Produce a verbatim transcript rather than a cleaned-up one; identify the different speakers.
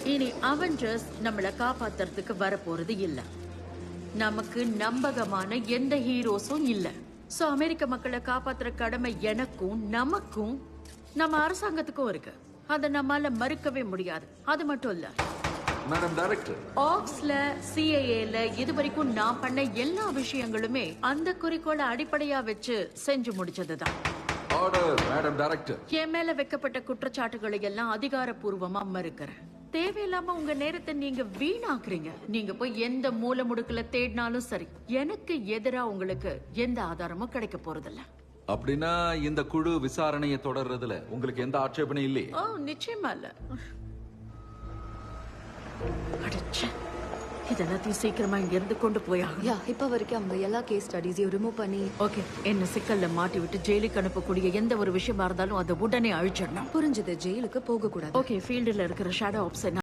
Speaker 1: இனி அவெஞ்சர்ஸ் நம்மள காப்பாத்துறதுக்கு வர போறது இல்ல. நமக்கு நம்பகமான எந்த ஹீரோஸும் இல்ல. சோ அமெரிக்க மக்களை காப்பாத்துற கடமை எனக்கும் நமக்கும் நம்ம அரசாங்கத்துக்கும் இருக்கு. அதை நம்மால மறுக்கவே முடியாது. அது மட்டும் இல்ல,
Speaker 2: மேடம் டைரக்டர்,
Speaker 1: ஆக்ஸ்ல சிஏஏல இதுவரைக்கும் நான் பண்ண எல்லா விஷயங்களுமே அந்த குறிக்கோளை அடிப்படையா வச்சு செஞ்சு முடிச்சதுதான்.
Speaker 2: Order madam director.
Speaker 1: என் மேல வைக்கப்பட்ட குற்றச்சாட்டுகளை எல்லாம் அதிகாரப்பூர்வமா மறுக்கிறேன். தேவையில்லாம உங்க நேரத்தை நீங்க வீணாக்குறீங்க. நீங்க போய் எந்த மூல முடுக்குல தேடினாலும் சரி, எனக்கு எதிரா உங்களுக்கு எந்த ஆதாரமும் கிடைக்க போறதில்ல.
Speaker 2: அப்படின்னா இந்த குழு விசாரணையை தொடர்றதுல உங்களுக்கு எந்த ஆட்சேபனையும் இல்லையே?
Speaker 1: ஓ, நிச்சயமா இல்ல. அடச்சே, இதெல்லாத்தையும் சீக்கிரமா இங்க இருந்து கொண்டு போயா.
Speaker 3: யா இப்ப வரைக்கும் அவங்க எல்லா கேஸ் ஸ்டடிஸையும் ரிமூவ் பண்ணி
Speaker 1: ஓகே, என்ன சிக்கல்ல மாட்டி விட்டு ஜெயிலுக்கு அனுப்பக்கூடிய எந்த ஒரு விஷயமா இருந்தாலும் அதை உடனே அழிச்சிடணும்.
Speaker 3: புரிஞ்சது, ஜெயிலுக்கு போக கூடாது.
Speaker 1: ஓகே, ஃபீல்டுல இருக்கிற ஷேடோ ஆப்ஸ்